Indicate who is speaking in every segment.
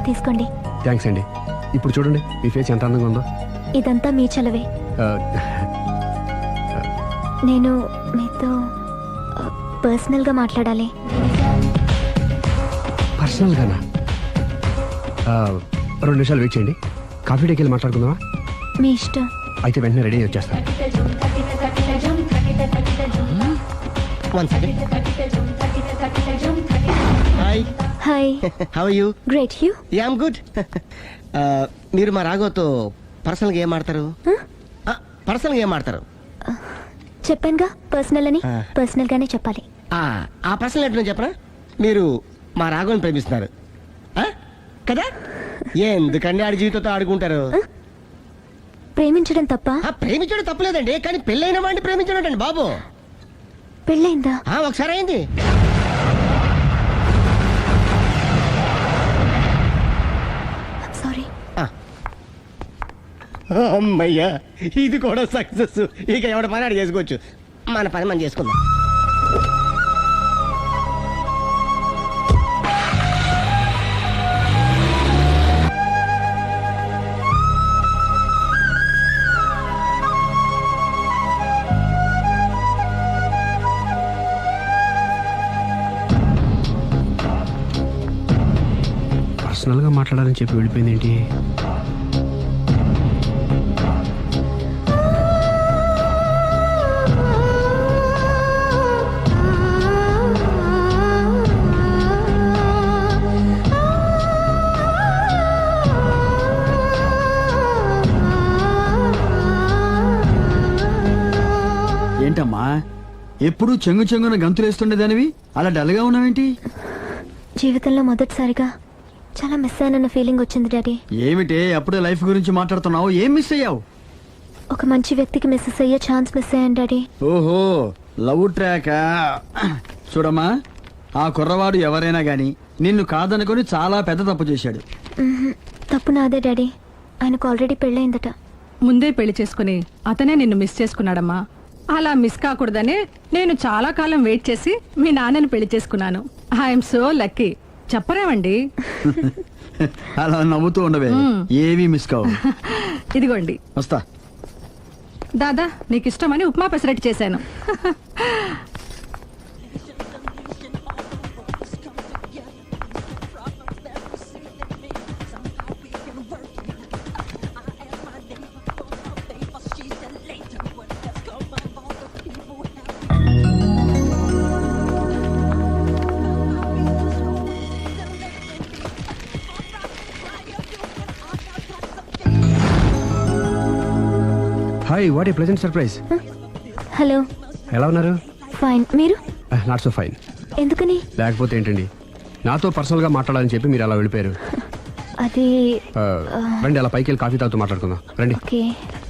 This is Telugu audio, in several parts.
Speaker 1: తీసుకోండి.
Speaker 2: థ్యాంక్స్ అండి. ఇప్పుడు చూడండి మీ ఫేస్ ఎంత అందంగా ఉందో.
Speaker 1: ఇదంతా మీ చలవే. నేను మీతో పర్సనల్గా మాట్లాడాలి.
Speaker 2: పర్సనల్గానా? 2 నిమిషాలు వెయిట్ చేయండి. కాఫీ డేకి వెళ్ళి మాట్లాడుకుందామా?
Speaker 1: మీ ఇష్టం.
Speaker 2: అయితే వెంటనే రెడీ వచ్చేస్తాను.
Speaker 3: Hi.
Speaker 1: Hi.
Speaker 3: How are you?
Speaker 1: Great. You?
Speaker 3: Ya I'm good. మీరు మా రాఘవతో పర్సనల్గా ఏం ఆడతారు? పర్సనల్గా ఏం ఆడతారు?
Speaker 1: చెప్పానుగా పర్సనల్ అని. పర్సనల్ గానే చెప్పాలి.
Speaker 3: ఆ పర్సనల్ ఏంటో చెప్పనా? మీరు మా రాఘవని ప్రేమిస్తున్నారు కదా? ఎందుకండి ఆడి జీవితంతో ఆడుకుంటారు?
Speaker 1: ప్రేమించడం తప్ప?
Speaker 3: ప్రేమించడం తప్పలేదండి, కానీ పెళ్ళైన వాడిని ప్రేమించడం అండి బాబు.
Speaker 1: పెళ్ళైందా?
Speaker 3: ఒకసారి అయింది.
Speaker 1: సారీ.
Speaker 3: అమ్మయ్యా, ఇది కూడా సక్సెస్. ఇక ఎవడ పని ఆడు చేసుకోవచ్చు, మన పని మనం చేసుకుందాం.
Speaker 2: పర్సనల్గా మాట్లాడాలని చెప్పి వెళ్ళిపోయింది ఏంటి?
Speaker 4: ఏంటమ్మా ఎప్పుడు చెంగు చెంగున గంతులేస్తుండేదానివి అలా డల్గా ఉన్నావేంటి?
Speaker 1: జీవితంలో మొదటిసారిగా చాలా మిస్ అయిన ఫీలింగ్ వచ్చింది డాడీ.
Speaker 4: ఏమిటే అప్పుడే లైఫ్ గురించి మాట్లాడుతున్నావు? ఏం మిస్ అయ్యావు?
Speaker 1: ఒక మంచి వ్యక్తికి మిస్ అయ్యే ఛాన్స్ మిస్ అయ్యాను డాడీ.
Speaker 4: ఓహో, లవ్ ట్రాక్. చూడమ్మా, ఆ కుర్రవాడు ఎవరైనా గాని నిన్ను కాదనుకొని చాలా పెద్ద తప్పు చేశాడు.
Speaker 1: తప్పు నాదే డాడీ. ఆయనకు ఆల్రెడీ పెళ్ళయిందట.
Speaker 5: ముందే పెళ్లి చేసుకుని అతనే నిన్ను మిస్ చేసుకున్నాడమ్మా. అలా మిస్ కాకూడదనే నేను చాలా కాలం వెయిట్ చేసి మీ నాన్నని పెళ్లి చేసుకున్నాను. I'm so lucky. చెప్పరేమండి?
Speaker 4: అలా నవ్వుతూ ఉండవే, ఏమీ మిస్ కావు.
Speaker 5: ఇదిగోండి.
Speaker 4: వస్తా.
Speaker 5: దాదా, నీకు ఇష్టమని ఉప్మా పెసరట్టు చేశాను.
Speaker 2: Hi, what a pleasant surprise.
Speaker 1: Hello.
Speaker 2: ఎలా ఉన్నారు?
Speaker 1: ఫైన్. మీరు?
Speaker 2: Not so fine.
Speaker 1: ఎందుకని?
Speaker 2: లేకపోతే ఏంటండి, నాతో పర్సనల్గా మాట్లాడాలని చెప్పి మీరు అలా వెళ్ళిపోయారు.
Speaker 1: అది
Speaker 2: రండి, అలా పైకి వెళ్ళి కాఫీ తాగుతూ మాట్లాడుకుందాం. రండి.
Speaker 1: ఓకే.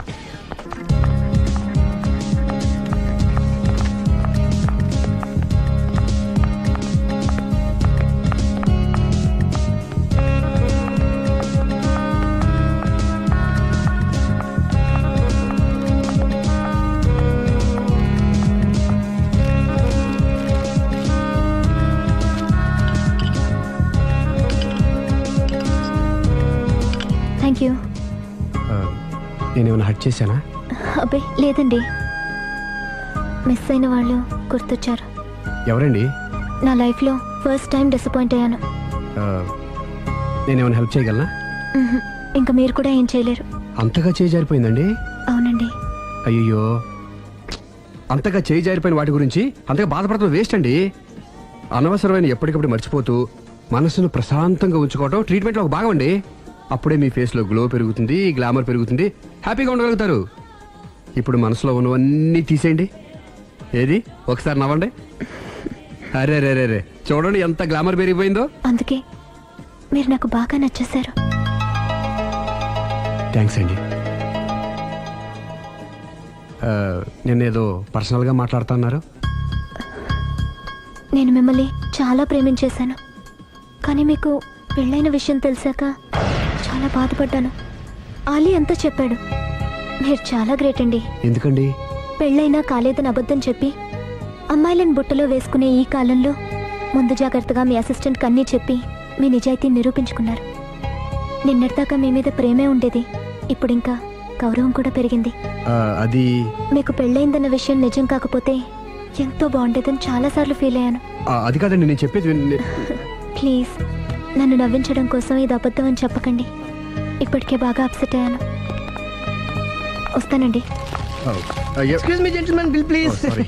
Speaker 1: Thank you.
Speaker 2: నేనేమైనా హర్ట్ చేశానా?
Speaker 1: అబ్బే లేదండి. మిస్ అయిన వాళ్ళు గుర్తొచ్చారు.
Speaker 2: ఎవరండి?
Speaker 1: నా లైఫ్లో ఫస్ట్ టైం డిసప్పాయింట్ అయ్యాను.
Speaker 2: నేనేమైనా హెల్ప్ చేయగలనా?
Speaker 1: ఇంకా మీరు కూడా ఏం చేయలేరు.
Speaker 2: అంతగా చేయి జారిపోయిందండి?
Speaker 1: అవునండి.
Speaker 2: అయ్యో, అంతగా చేయి జారిపోయిన వాటి గురించి అంతగా బాధపడటం వేస్ట్ అండి. అనవసరమైన ఎప్పటికప్పుడు మర్చిపోతూ మనసును ప్రశాంతంగా ఉంచుకోవటం ట్రీట్మెంట్లో ఒక భాగం అండి. అప్పుడే మీ ఫేస్లో గ్లో పెరుగుతుంది, గ్లామర్ పెరుగుతుంది, హ్యాపీగా ఉండగలుగుతారు. ఇప్పుడు మనసులో ఉన్నవన్నీ తీసేయండి. ఏది, ఒకసారి నవ్వండి. అరే రే రే రే, చూడండి ఎంత గ్లామర్ పెరిగిపోయిందో.
Speaker 1: అందుకే మీరు నాకు బాగా నచ్చేశారు.
Speaker 2: థ్యాంక్స్ అండి. నేనేదో పర్సనల్గా మాట్లాడుతున్నారు.
Speaker 1: నేను మిమ్మల్ని చాలా ప్రేమించేశాను, కానీ మీకు పెళ్ళైన విషయం తెలిసాక చాలా బాధపడ్డాను. ఆలీ అంతా చెప్పాడు. మీరు చాలా గ్రేట్ అండి.
Speaker 2: ఎందుకండి?
Speaker 1: పెళ్ళైనా కాలేదని అబద్ధం చెప్పి అమ్మాయిలను బుట్టలో వేసుకునే ఈ కాలంలో ముందు జాగ్రత్తగా మీ అసిస్టెంట్ కన్నీ చెప్పి మీ నిజాయితీ నిరూపించుకున్నారు. నిన్నటిదాకా మీ మీద ప్రేమే ఉండేది, ఇప్పుడు ఇంకా గౌరవం కూడా పెరిగింది.
Speaker 2: అది
Speaker 1: మీకు పెళ్ళయిందన్న విషయం నిజం కాకపోతే ఎంతో బాగుండేదని చాలాసార్లు ఫీల్ అయ్యాను.
Speaker 2: అది కాదండి నేను చెప్పేది
Speaker 1: ప్లీజ్ నన్ను నవ్వించడం కోసం ఇది అబద్ధం అని చెప్పకండి. ఇప్పటికే బాగా అప్సెట్ అయ్యాను. వస్తానండి.
Speaker 3: Excuse me gentlemen, bill please.
Speaker 2: Sorry.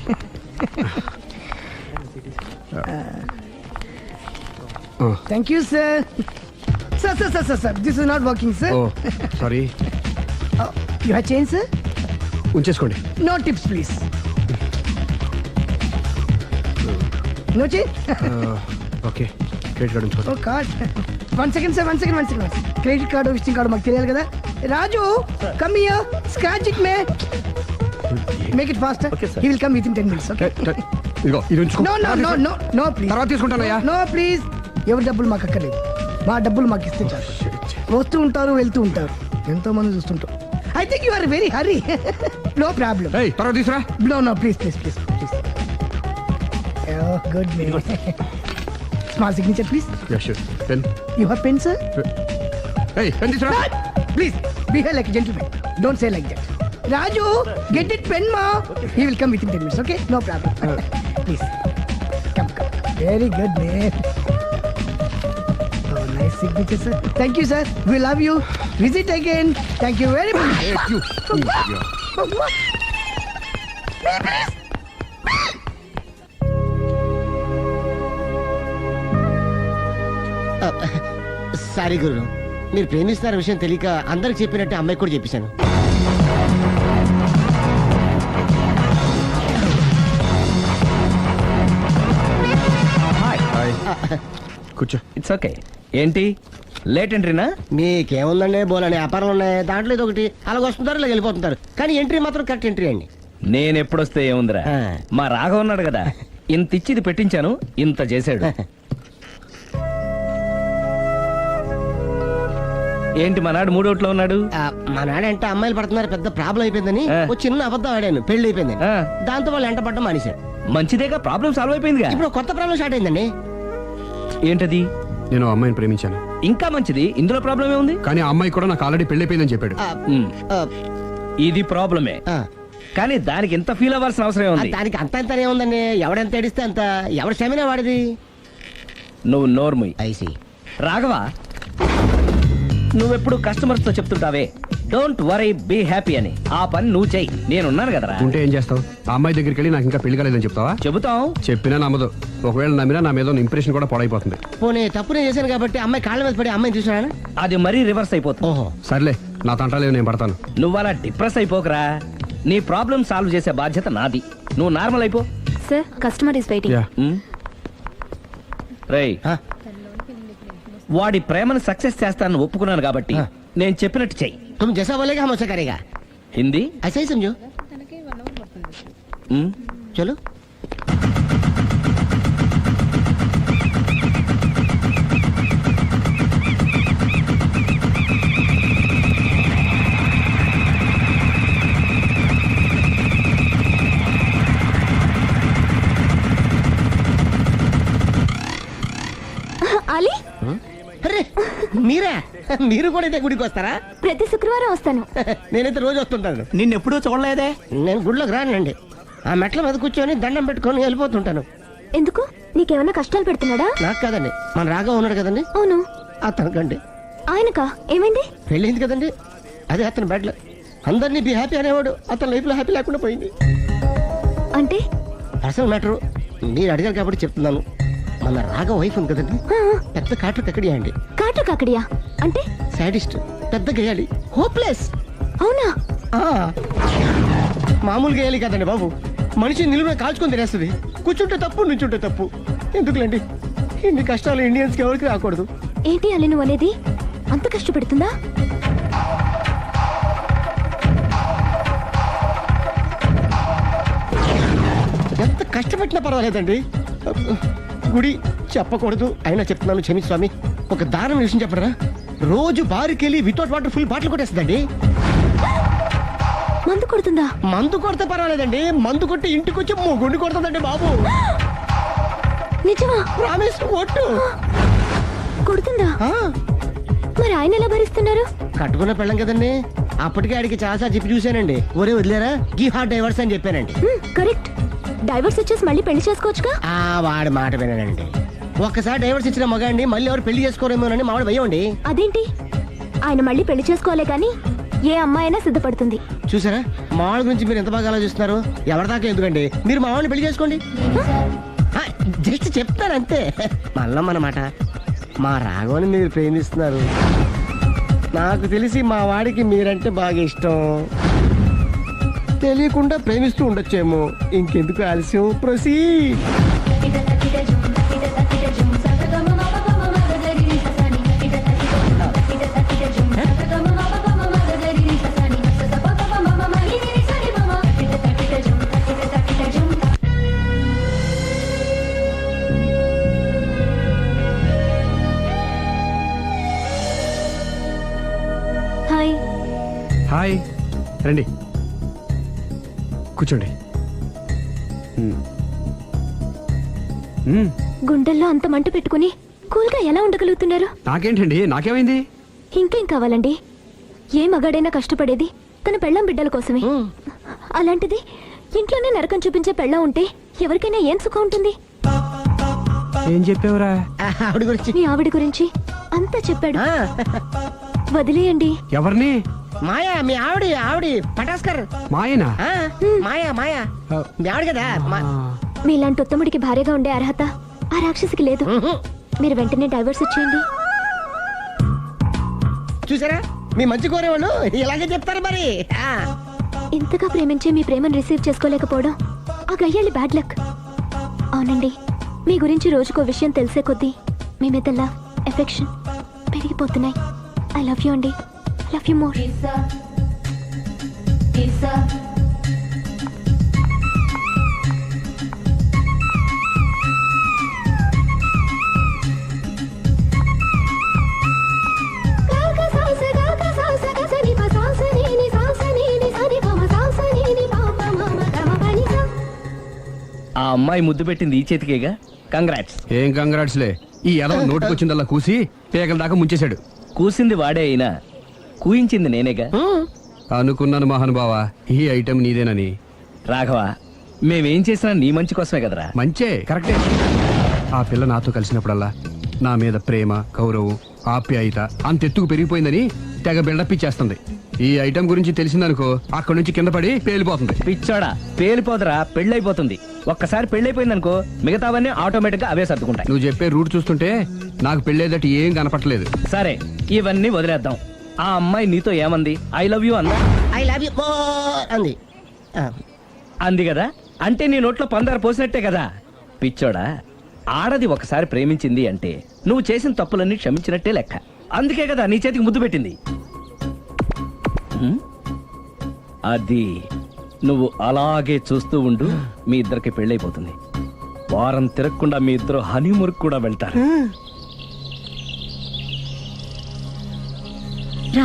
Speaker 3: Thank you sir. Sir this is not working sir.
Speaker 2: Oh sorry.
Speaker 3: You have change sir?
Speaker 2: ఉంచేసుకోండి.
Speaker 3: No tips please. No change?
Speaker 2: Okay credit card ఉంచుకోండి.
Speaker 3: Oh card. One second sir, one second. Credit card visiting card మాకు తెలియాలి కదా. Raju come here, scratch it may, make it fast. He will come within 10 minutes. Okay.
Speaker 2: ఇదిగో ఇది ఉంచుకో.
Speaker 3: No please.
Speaker 2: తర్వాత తీసుకుంటానయ్యా.
Speaker 3: No please. ఎవరి డబ్బులు మాకు అక్కర్లేదు, మా డబ్బులు మాకు ఇస్తే చాలు. వస్తూ ఉంటారు, వెళ్తూ ఉంటారు, ఎంతో మంది చూస్తుంటారు. I think you are very hurry. No problem.
Speaker 2: ఏయ్ తర్వాత తీసురా.
Speaker 3: No, please. Oh, good name. Small signature, please.
Speaker 2: Ya sure. Pen.
Speaker 3: You have pen, sir?
Speaker 2: ఏయ్ పెన్ తీసురా.
Speaker 3: Please, behave like a gentleman. Don't say like that. Raju, get it pen, ma. He will come within 10 minutes, okay? No problem. Please. Come. Very good, man. Oh, nice signature, sir. Thank you, sir. We love you. Visit again. Thank you very much. Sorry గురు, మీరు ప్రేమిస్తున్న విషయం తెలియక అందరికి చెప్పినట్టే అమ్మాయికి కూడా చెప్పేశాను.
Speaker 2: కూర్చో.
Speaker 6: It's okay. ఏంటి లేట్ ఎంట్రీనా?
Speaker 3: మీకేముందండి, బోలని వ్యాపారాలు ఉన్నాయి, దాంట్లో ఇది ఒకటి అలాగ వస్తుంటారు ఇలా వెళ్ళిపోతుంటారు, కానీ ఎంట్రీ మాత్రం కరెక్ట్ ఎంట్రీ అండి.
Speaker 6: నేను ఎప్పుడొస్తే ఏముందిరా, మా రాఘవ ఉన్నాడు కదా, ఇంత ఇచ్చి ఇది పెట్టించాను, ఇంత చేశాడు. ఏంటి మనాడు మూడోట్లో ఉన్నాడు?
Speaker 3: మా నాడంటే అమ్మాయిలు పడుతున్నారు, పెద్ద ప్రాబ్లం అయిపోయిందని ఒక చిన్న అబద్ధం ఆడాను, పెళ్లి అయిపోయింది. దాంతో వాళ్ళు ఎంట పడ్డం మానేశాడు.
Speaker 6: మంచిదేగా, ప్రాబ్లం సాల్వ్ అయిపోయిందిగా.
Speaker 3: ఇప్పుడు కొత్త ప్రాబ్లం స్టార్ట్ అయిందండి.
Speaker 6: ఏంటది?
Speaker 2: నేను ఆ అమ్మాయిని ప్రేమించాను.
Speaker 6: ఇంకా మంచిది, ఇందులో ప్రాబ్లం ఏముంది?
Speaker 2: కానీ ఆ అమ్మాయి కూడా నాకు ఆల్రెడీ పెళ్ళైపోయిందని చెప్పాడు.
Speaker 6: ఇది ప్రాబ్లమే, కానీ దానికి ఎంత ఫీల్ అవ్వాల్సిన అవసరం ఏముంది?
Speaker 3: దానికి అంత ఏముందండి, ఎవడెంత ఏడిస్తే అంత, ఎవడ క్షమేనా వాడిది.
Speaker 6: నువ్వు నోర్ముయ్.
Speaker 3: ఐసి
Speaker 6: రాఘవ, నువ్వెప్పుడు కస్టమర్స్ తో చెప్తుంటావే డోంట్ వరీ బీ హ్యాపీ అని, ఆ పని నువ్వు చెయ్యి, నేనున్నాను కదరా.
Speaker 2: ఉంటే ఏం చేస్తావు? ఆ అమ్మాయి దగ్గరికి వెళ్ళి నాకు ఇంకా పెళ్లి కాలేదని చెప్తావా?
Speaker 6: చెబుతాం.
Speaker 2: చెప్పినా నమ్మదు. ఒకవేళ నమ్మినా నా మీద ఇంప్రెషన్ కూడా పాడైపోతుంది.
Speaker 3: పోనీ తప్పు నేను చేశాను కాబట్టి అమ్మాయి కాళ్ళ మీద పడి అమ్మాయిని చూసాను.
Speaker 6: అది మరీ రివర్స్ అయిపోతుంది.
Speaker 3: ఓహో
Speaker 2: సర్లే, నా తంటాలేవు, నేను పడతాను.
Speaker 6: నువ్వు అలా డిప్రెస్ అయిపోకరా, నీ ప్రాబ్లం సాల్వ్ చేసే బాధ్యత నాది, నువ్వు నార్మల్ అయిపో.
Speaker 1: Sir customer is waiting.
Speaker 2: Ya.
Speaker 6: రేయ్, వాడి ప్రేమను సక్సెస్ చేస్తానని ఒప్పుకున్నాను కాబట్టి నేను చెప్పినట్టు చెయ్యి.
Speaker 3: तुम जैसा बोलेगा हम वैसा करेगा.
Speaker 6: హిందీ
Speaker 3: ऐसा ही समझो. चलो.
Speaker 1: అలీ,
Speaker 3: అరే మీరా, మీరు కూడా ఇదే గుడికి వస్తారా?
Speaker 1: ప్రతి శుక్రవారం వస్తాను.
Speaker 3: నేనైతే రోజు వస్తుంటాను.
Speaker 4: నిన్నెప్పుడూ చూడలేదే.
Speaker 3: నేను గుడిలోకి రానండి, ఆ మెట్ల మీద కూర్చొని దండం పెట్టుకొని వెళ్ళిపోతుంటాను.
Speaker 1: ఎందుకు? నీకేమైనా కష్టాలు పెడుతున్నాడా?
Speaker 3: నాకు కాదండి, మన రాఘవ ఉన్నాడు కదండి,
Speaker 1: అవును.
Speaker 3: అతనికండి.
Speaker 1: ఆయనకా? ఏమైంది?
Speaker 3: పెళ్ళైంది కదండి, అదే అతని బెడ్లో అందరినీ బి హ్యాపీ అనేవాడు, అతని లైఫ్ లో హ్యాపీ లేకుండా పోయింది.
Speaker 1: అంటే
Speaker 3: అసలు మ్యాటర్ మీరు అడిగారు కాబట్టి చెప్తున్నాను. మన రాఘవ వైఫ్ ఉంది కదండి, పెద్ద కాటు కక్కడియా అండి.
Speaker 1: కాటు కాకడియా అంటే?
Speaker 3: సాడిస్ట్, పెద్ద గేయాలి, హోప్లెస్.
Speaker 1: అవునా?
Speaker 3: మామూలు గేయాలి కదండి బాబు, మనిషి నిలువున కాల్చుకొని తినేస్తుంది. కూర్చుంటే తప్పు, నుంచుంటే తప్పు. ఎందుకులేండి ఇన్ని కష్టాలు ఇండియన్స్ కి ఎవరికి రాకూడదు.
Speaker 1: ఏంటి అలీ నువ్వు అనేది? అంత కష్టపెడుతుందా?
Speaker 3: ఎంత కష్టపెట్టినా పర్వాలేదండి. గుడి చెప్పకూడదు, అయినా చెప్తున్నాను, క్షమించు స్వామి. ఒక దారుణ విషయం చెప్పరా, రోజు బారుకెళ్ళి వితౌట్ వాటర్ ఫుల్ బాటిల్ కొట్టేస్తుందండి.
Speaker 1: మందు కొడుతుందా?
Speaker 3: మందు కొడితే పర్వాలేదండి, మందు కొట్టి ఇంటికి వచ్చి గుండు కొడుతుందండి బాబు.
Speaker 1: నిజమా?
Speaker 3: ప్రామిస్, ఒట్టు.
Speaker 1: కొడుతుందా? మరి ఆయన ఎలా భరిస్తున్నారు?
Speaker 3: కట్టుకున్న పెళ్ళం కదండి. అప్పటికే ఆడికి చాలాసార్లు చెప్పి చూశానండి. ఒరే వదిలేరా గీ హార్ట్ డైవర్స్ అని చెప్పానండి.
Speaker 1: కరెక్ట్. డైవర్స్ ఇచ్చేసి మళ్ళీ పెళ్లి చేసుకోవచ్చుగా.
Speaker 3: వాడి మాట వినానండి. ఒక్కసారి డైవర్స్ ఇచ్చిన మగాండి మళ్ళీ ఎవరు పెళ్లి చేసుకోరేమోనని మావాడు భయండి.
Speaker 1: అదేంటి? ఆయన మళ్ళీ పెళ్లి చేసుకోలే కానీ ఏ అమ్మాయి అయినా సిద్ధపడుతుంది.
Speaker 3: చూసారా మావాడి గురించి మీరు ఎంత బాగా ఆలోచిస్తున్నారు. ఎవరి దాకా ఎందుకండి, మీరు మావాడిని పెళ్లి చేసుకోండి. జస్ట్ చెప్తాను అంతే. మళ్ళీ మన మాట, మా రాఘవని మీరు ప్రేమిస్తున్నారు. నాకు తెలిసి మా వాడికి మీరంటే బాగా ఇష్టం. తెలియకుండా ప్రేమిస్తూ ఉండొచ్చేమో. ఇంకెందుకు ఆలస్యం, ప్రొసీడ్.
Speaker 1: హాయ్.
Speaker 2: హాయ్, రండి కూర్చోండి.
Speaker 1: గుండెల్లో అంత మంట పెట్టుకుని కూల్గా ఎలా ఉండగలుగుతున్నారు?
Speaker 2: నాకేంటండి, నాకేమైంది?
Speaker 1: ఇంకేం కావాలండి? ఏ మగాడైనా కష్టపడేది తన పెళ్ళాం బిడ్డల కోసమే. అలాంటిది ఇంట్లోనే నరకం చూపించే పెళ్ళాం ఉంటే ఎవరికైనా ఏం సుఖం ఉంటుంది?
Speaker 2: ఏం చెప్పావురా?
Speaker 3: ఆవిడ గురించి
Speaker 1: మీ ఆవిడ గురించి అంతా చెప్పాడు. వదిలేయండి.
Speaker 2: ఎవరిని?
Speaker 3: మాయా, మీ ఆవిడ పటాస్కర్.
Speaker 2: మాయనా?
Speaker 3: మాయా మీ ఆవిడ కదా.
Speaker 1: మీలాంటి ఉత్తముడికి భార్యగా ఉండే అర్హత ఆ రాక్షసికి లేదు. మీరు వెంటనే డైవర్స్ ఇచ్చేయండి.
Speaker 3: చూసారా మీ మంచి కోరేవాళ్ళు ఇలాగే చెప్తారు మరి.
Speaker 1: ఇంతగా ప్రేమించే మీ ప్రేమను రిసీవ్ చేసుకోలేకపోవడం ఆ గయ్యాలి బ్యాడ్ లక్. అవునండి, మీ గురించి రోజుకో విషయం తెలిసే కొద్దీ మీ మీద లవ్, ఎఫెక్షన్ పెరిగిపోతున్నాయి. ఐ లవ్ యూ అండి. I love you more.
Speaker 6: ఆ అమ్మాయి ముద్దు పెట్టింది ఈ చేతికేగా. కంగ్రాట్స్.
Speaker 2: ఏం కంగ్రాట్స్లే. ఈ ఎదవ నోటికొచ్చిందల్లా కూసి పేకల దాకా ముంచేశాడు.
Speaker 6: కూసింది వాడే అయినా కూయించింది నేనేగా.
Speaker 2: అనుకున్నాను మహానుభావ, ఈ ఐటెం నీదేనని.
Speaker 6: రాఘవ, మేమేం చేసినా నీ మంచి కోసమే కదరా.
Speaker 2: మంచే, కరెక్టే. ఆ పిల్ల నాతో కలిసినప్పుడల్లా నా మీద ప్రేమ, గౌరవం, ఆప్యాయత అంతెత్తుకు పెరిగిపోయిందని తెగ బిల్డప్ ఇచ్చేస్తుంది. ఈ ఐటెం గురించి తెలిసిందనుకో అక్కడి నుంచి కింద పడి పేలిపోతుంది.
Speaker 6: పిచ్చోడా, పేలిపోదరా, పెళ్ళైపోతుంది. ఒక్కసారి పెళ్ళైపోయిందనుకో మిగతావన్నీ ఆటోమేటిక్ గా అవే సర్దుకుంటాయి.
Speaker 2: నువ్వు చెప్పే రూట్ చూస్తుంటే నాకు పెళ్ళేదట ఏం కనపట్లేదు.
Speaker 6: సరే, ఇవన్నీ వదిలేద్దాం. ఆ అమ్మాయి నీతో ఏమంది? ఐ లవ్ యూ అందా?
Speaker 3: ఐ లవ్ యూ అంది.
Speaker 6: అంది కదా, అంటే నీ నోట్లో పందారు పోసినట్టే కదా. పిచ్చోడా, ఆడది ఒకసారి ప్రేమించింది అంటే నువ్వు చేసిన తప్పులన్నీ క్షమించినట్టే లెక్క. అందుకే కదా నీ చేతికి ముద్దు పెట్టింది. అది నువ్వు అలాగే చూస్తూ ఉండు, మీ ఇద్దరికి పెళ్ళైపోతుంది. వారం తిరగకుండా మీ ఇద్దరు హనీమూర్ కూడా వెళ్తారు.